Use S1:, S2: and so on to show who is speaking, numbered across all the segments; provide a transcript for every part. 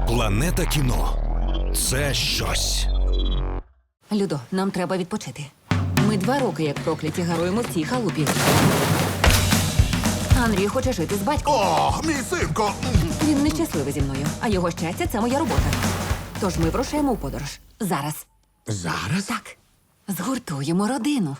S1: Планета кіно – це щось.
S2: Людо, нам треба відпочити. Ми 2 роки, як прокляті, гаруємо в цій халупі. Андрій хоче жити з батьком.
S3: О, мій синко!
S2: Він нещасливий зі мною, а його щастя – це моя робота. Тож ми вирушаємо у подорож. Зараз.
S3: Зараз?
S2: Так. Згуртуємо родину.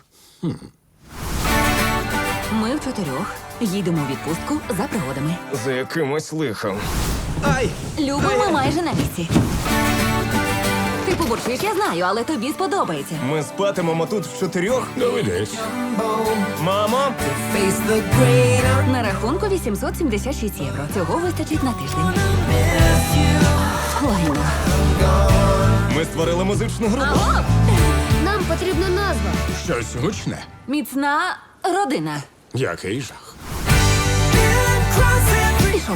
S2: Ми в 4 їдемо у відпустку за пригодами.
S4: За якимось лихом.
S2: Любо, ми майже на місці. Ти побурчиш, я знаю, але тобі сподобається.
S4: Ми спатимемо тут в 4?
S3: Доведеться.
S4: Мамо!
S2: На рахунку 876 євро. Цього вистачить на тиждень. Лайно.
S4: Ми створили музичну групу.
S2: Алло!
S5: Нам потрібна назва.
S3: Щось гучне.
S2: Міцна родина.
S3: Який жах.
S2: Пішов.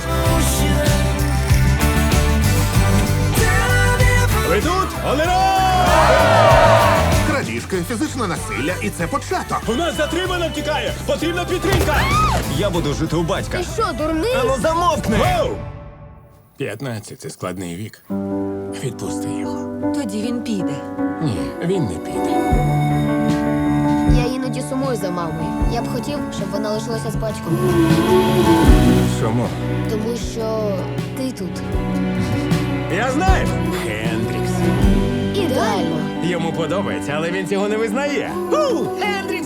S4: Ви тут? Олеро!
S3: Крадіжки, фізичне насилля, і це початок.
S4: У нас затримано втікає! Потрібна підтримка! Я буду жити у батька.
S5: Ти що, дурний?
S4: Ану замовкни!
S3: 15 – це складний вік. Відпусти його.
S2: Тоді він піде.
S3: Ні, він не піде.
S5: Я іноді сумую за мамою. Я б хотів, щоб вона лишилася з батьком.
S3: Чому?
S5: Тому що ти тут.
S4: Я знаю!
S3: Хендрікс.
S5: Ідеально.
S4: Йому подобається, але він цього не визнає. Хендрікс